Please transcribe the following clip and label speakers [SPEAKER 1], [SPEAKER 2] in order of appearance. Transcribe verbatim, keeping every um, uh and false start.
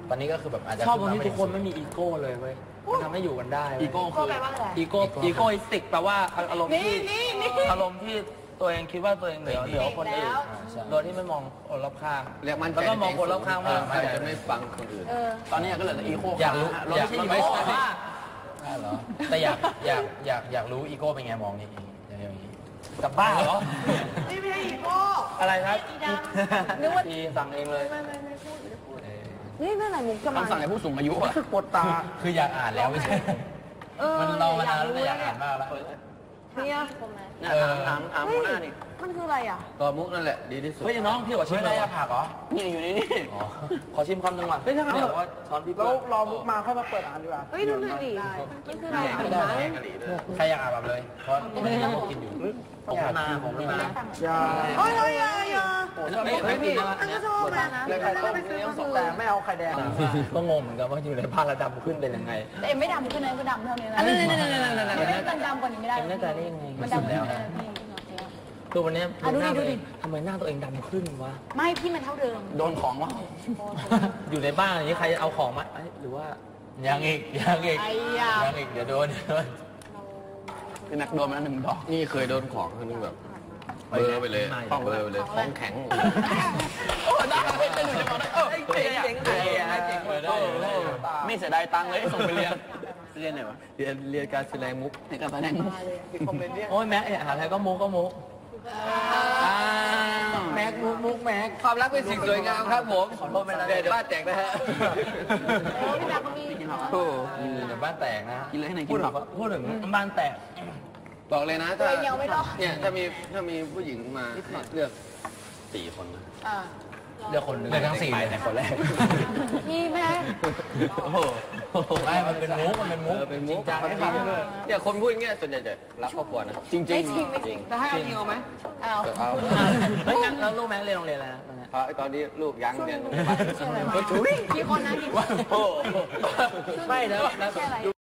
[SPEAKER 1] ตอนนี้ก็คือแบบอาจจะ
[SPEAKER 2] ชอบตรงที่ทุกคนไม่มีอีโก้เลยเว้ยมันทำให้อยู่กันได้อีโก้คือ
[SPEAKER 3] แปลว่าอะไร
[SPEAKER 2] อีโก้อีโก้อิสติกแปลว่าอารมณ์ที่อารมณ์ที่ตัวเองคิดว่าตัวเองเหนือเหนือคนอื่นโดยที่ไม่มองคนรอบข้างแล้วก็มองคนรอบข้างว่า
[SPEAKER 4] มันจะไม่ฟังคนอื่น
[SPEAKER 2] ตอนนี้ก็เลยอีโก้
[SPEAKER 1] อยากรู้อยากรู้ไหมเหรอแต่อยากอยากอยากอยากรู้อีโก้เป็นไงมองนี่อย่างนี้
[SPEAKER 2] กับบ้าเหรอ
[SPEAKER 3] นี่ไม่ใช่อีโก้
[SPEAKER 2] อะไรครับ
[SPEAKER 3] นึกว่า
[SPEAKER 2] ทีสั่งเองเลย
[SPEAKER 3] ไม่ไม่ไม่พูดไม่พูด
[SPEAKER 5] นี่เมื่อไหร่มุกจะมา
[SPEAKER 2] สั่งให้ผู้สูงอายุคือกดตา
[SPEAKER 1] คืออยากอ่านแล้วไม่ใช่มันเรามานานแล้วอยากอ่านมากแล้ว
[SPEAKER 5] เนี่ย
[SPEAKER 2] ถามถามหัวหน้านี่
[SPEAKER 5] มันคืออะไรอ่ะ
[SPEAKER 4] ตัวมุกนั่นแหละดีที่สุด
[SPEAKER 2] เฮ้ยน้องพี่ขอชิม
[SPEAKER 1] ได้ผักเหรอ
[SPEAKER 2] นี่อยู่นี่นี่ขอชิมคำหนึ่งก่อนเฮ้ยถ้างั้นว่าช้อนพี่แล้วรอมุกมาค่อยมาเปิดอ่านดีกว่า
[SPEAKER 5] เฮ้ยดูหน่อยดิมันคืออะไร
[SPEAKER 1] ไม่ได้ใครอยากอ่านแบบเลยเพราะไม่ได้กินอยู่
[SPEAKER 2] ผมมาผมมา
[SPEAKER 5] อย่าเฮ้ยเฮ้ยอย่า
[SPEAKER 2] ไม่ไม่พี่
[SPEAKER 5] ก็ชอบนะ
[SPEAKER 2] เลยไข่ต้มเลี้ยงสดแต่ไม่เอาไข่แดงก็งงเหมือนกันว่าอยู่ในบ้านระดับขึ้นเป็นยังไง
[SPEAKER 5] แต่ไม่ดำขึ้นเลยก็ดำเท่านี้นะมันดำกว่านี้ไม่ได้
[SPEAKER 2] ไม่ได้ได้ยังไง
[SPEAKER 5] มันดำแล้ว
[SPEAKER 2] คือวันนี้
[SPEAKER 5] ดูดิดูดิ
[SPEAKER 2] ทำไมหน้าตัวเองดำขึ้นวะ
[SPEAKER 5] ไม่พี่มันเท่าเดิม
[SPEAKER 2] โดนของวะอยู่ในบ้านอย่างนี้ใครเอาของมาหรือว่า
[SPEAKER 1] ยังอีกยังอีกยังอีกเดี๋ยวโดน
[SPEAKER 2] เป็นนักโดนมาหนึ่งดอก
[SPEAKER 4] นี่เคยโดนของคนนึงแบบเบอร์ไปเลยเบอร์ไปเลยของแข็ง
[SPEAKER 2] โอ้ได้เป็นหนึ่งจะบอกได้เออเจ๋งเจ๋งเจ๋งเจ๋งเลยไม่เสียดายตังค์เลยส่งไปเรียนเรียนไหนวะ
[SPEAKER 4] เรียนเรียนการแสดงมุก
[SPEAKER 2] ในการแสดงมุกโอ้ยแม็กหาอะไรก็มุกก็มุกแม็กมุกมุกแม็ก
[SPEAKER 4] ความรักเป็นสิ่งสวยงามครับผม
[SPEAKER 2] ขอโทษไปแล้ว
[SPEAKER 4] เดี๋ยวบ้านแตกนะฮะ
[SPEAKER 5] โอ้พี่ดาก็มี
[SPEAKER 1] โอ้เดี๋ยวบ้านแตกนะ
[SPEAKER 2] กินเลยให้ไหนกินแบบพูดถึงบ้านแตก
[SPEAKER 4] บอกเลยนะถ้าเนี่ยถ้ามีถ้ามีผู้หญิงมาเลือกสี่คนนะ
[SPEAKER 2] เลือกคนเลื
[SPEAKER 1] อกทั้งสี่เลยคนแรก
[SPEAKER 5] พี่แม่
[SPEAKER 1] โอ้โหไม่มันเป็นมุกมันเป็นมุก
[SPEAKER 4] เป็นมุก
[SPEAKER 1] จริง
[SPEAKER 4] ๆเนี่ยคนพูดอย่างเงี้ยส่วนใหญ่จะรักครอบครัวนะ
[SPEAKER 2] จริงจริง
[SPEAKER 5] จริงแต่ให้เอาจริงเอาไหมเอา
[SPEAKER 4] เอา
[SPEAKER 2] เฮ้ยงั้นแล้วลูกแม่เรียนโรงเรียนอะไรนะ
[SPEAKER 4] ตอนนี้ลูกยังเรียน
[SPEAKER 5] กี่คนนะกี่คน
[SPEAKER 2] ไม่แล้ว